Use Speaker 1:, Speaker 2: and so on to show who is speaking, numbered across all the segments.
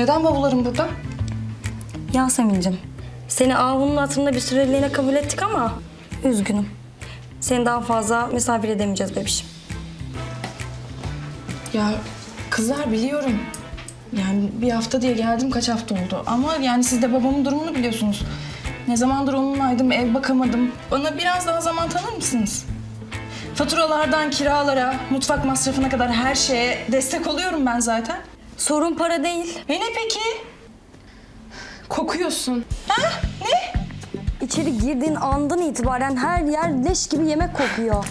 Speaker 1: Neden bavullarım burada?
Speaker 2: Yasemin'cim, seni Ahu'nun hatırında bir süreliğine kabul ettik ama üzgünüm. Seni daha fazla misafir edemeyeceğiz bebişim.
Speaker 1: Ya kızlar biliyorum. Yani bir hafta diye geldim, kaç hafta oldu. Ama yani siz de babamın durumunu biliyorsunuz. Ne zamandır onunlaydım, ev bakamadım. Bana biraz daha zaman tanır mısınız? Faturalardan kiralara, mutfak masrafına kadar her şeye destek oluyorum ben zaten.
Speaker 2: Sorun para değil.
Speaker 1: Ne peki? Kokuyorsun. Ha? Ne?
Speaker 2: İçeri girdiğin andan itibaren her yer leş gibi yemek kokuyor.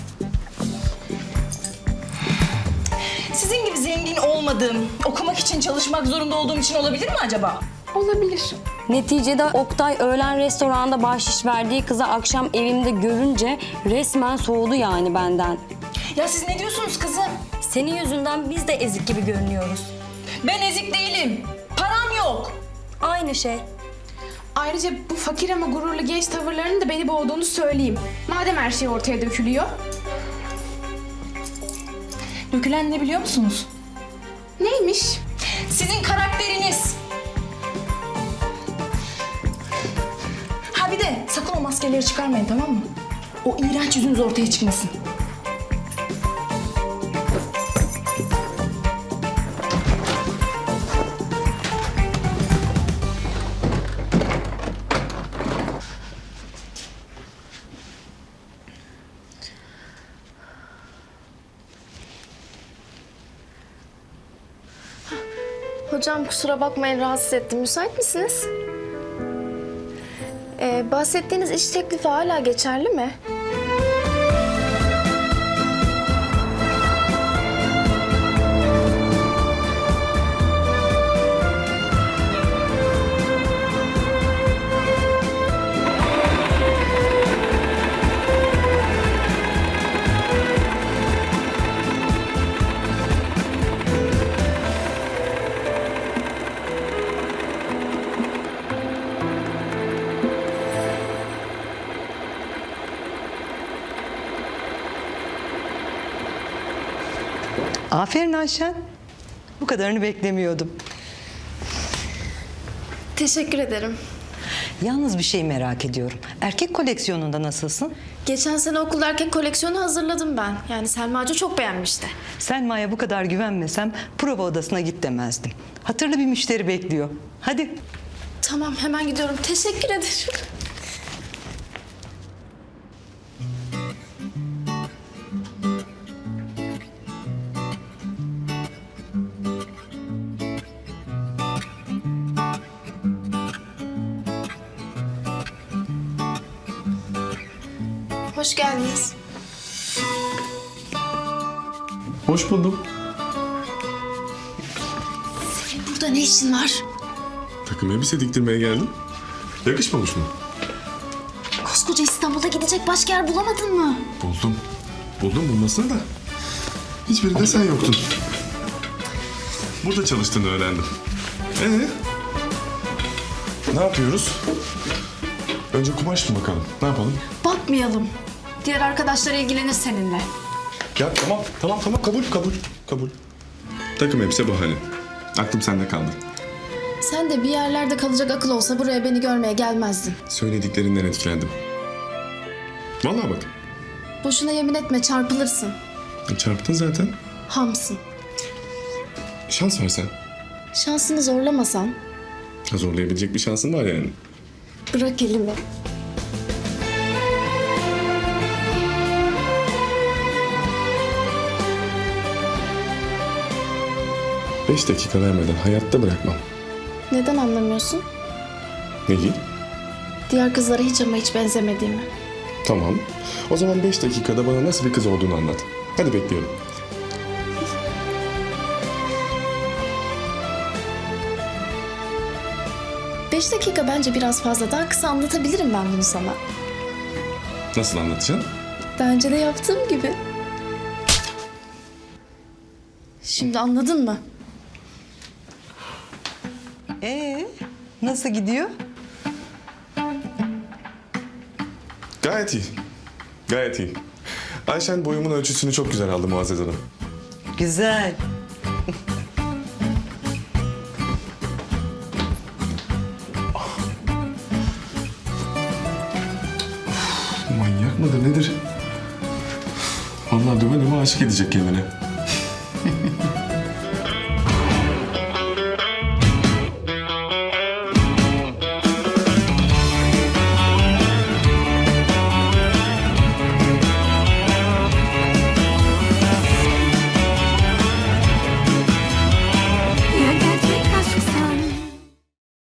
Speaker 1: Sizin gibi zengin olmadığım, okumak için çalışmak zorunda olduğum için olabilir mi acaba?
Speaker 3: Olabilir.
Speaker 2: Neticede Oktay öğlen restoranda bahşiş verdiği kızı akşam evimde görünce resmen soğudu yani benden.
Speaker 1: Ya siz ne diyorsunuz kızım?
Speaker 2: Senin yüzünden biz de ezik gibi görünüyoruz.
Speaker 1: Ben ezik değilim. Param yok.
Speaker 2: Aynı şey.
Speaker 3: Ayrıca bu fakir ama gururlu genç tavırlarının da beni boğduğunu söyleyeyim. Madem her şey ortaya dökülüyor.
Speaker 1: Dökülen ne biliyor musunuz?
Speaker 3: Neymiş?
Speaker 1: Sizin karakteriniz. Ha bir de sakın o maskeleri çıkarmayın, tamam mı? O iğrenç yüzünüz ortaya çıkmasın.
Speaker 4: Hocam kusura bakmayın rahatsız ettim. Müsait misiniz? Bahsettiğiniz iş teklifi hala geçerli mi?
Speaker 5: Aferin Ayşen. Bu kadarını beklemiyordum.
Speaker 4: Teşekkür ederim.
Speaker 5: Yalnız bir şey merak ediyorum. Erkek koleksiyonunda nasılsın?
Speaker 4: Geçen sene okulda erkek koleksiyonu hazırladım ben. Yani Selma Hoca çok beğenmişti.
Speaker 5: Selma'ya bu kadar güvenmesem prova odasına git demezdim. Hatırlı bir müşteri bekliyor. Hadi.
Speaker 4: Tamam hemen gidiyorum. Teşekkür ederim. Hoş geldiniz.
Speaker 6: Hoş buldum.
Speaker 4: Senin burada ne işin var?
Speaker 6: Takım elbise diktirmeye geldim. Yakışmamış mı?
Speaker 4: Koskoca İstanbul'a gidecek başka yer bulamadın mı?
Speaker 6: Buldum. Buldum bulmasını da. Hiçbirinde sen yoktun. Burada çalıştığını öğrendim. Ne yapıyoruz? Önce kumaş mı bakalım? Ne yapalım?
Speaker 4: Bakmayalım. Diğer arkadaşlar ilgilenir seninle.
Speaker 6: Ya tamam kabul. Takım elbise bahane. Aklım sende kaldı.
Speaker 4: Sen de bir yerlerde kalacak akıl olsa buraya beni görmeye gelmezdin.
Speaker 6: Söylediklerinden etkilendim. Vallahi bak.
Speaker 4: Boşuna yemin etme çarpılırsın.
Speaker 6: Çarptın zaten.
Speaker 4: Hamsın.
Speaker 6: Şans versen.
Speaker 4: Şansını zorlamasan
Speaker 6: Zorlayabilecek bir şansın var yani.
Speaker 4: bırak elimi.
Speaker 6: Beş dakika vermeden hayatta bırakmam.
Speaker 4: Neden anlamıyorsun?
Speaker 6: Neyi?
Speaker 4: Diğer kızlara hiç ama hiç benzemediğimi.
Speaker 6: Tamam. O zaman 5 dakikada bana nasıl bir kız olduğunu anlat. Hadi bekliyorum.
Speaker 4: Beş dakika bence biraz fazla. Daha kısa anlatabilirim ben bunu sana.
Speaker 6: Nasıl anlatacaksın?
Speaker 4: Daha önce de yaptığım gibi. Şimdi anladın mı?
Speaker 5: Nasıl gidiyor?
Speaker 6: Gayet iyi. Gayet iyi. Ayşen boyumun ölçüsünü çok güzel aldı Muazzez Hanım.
Speaker 5: Güzel.
Speaker 6: mıdır nedir? Vallahi döve döve aşık edecek kendine.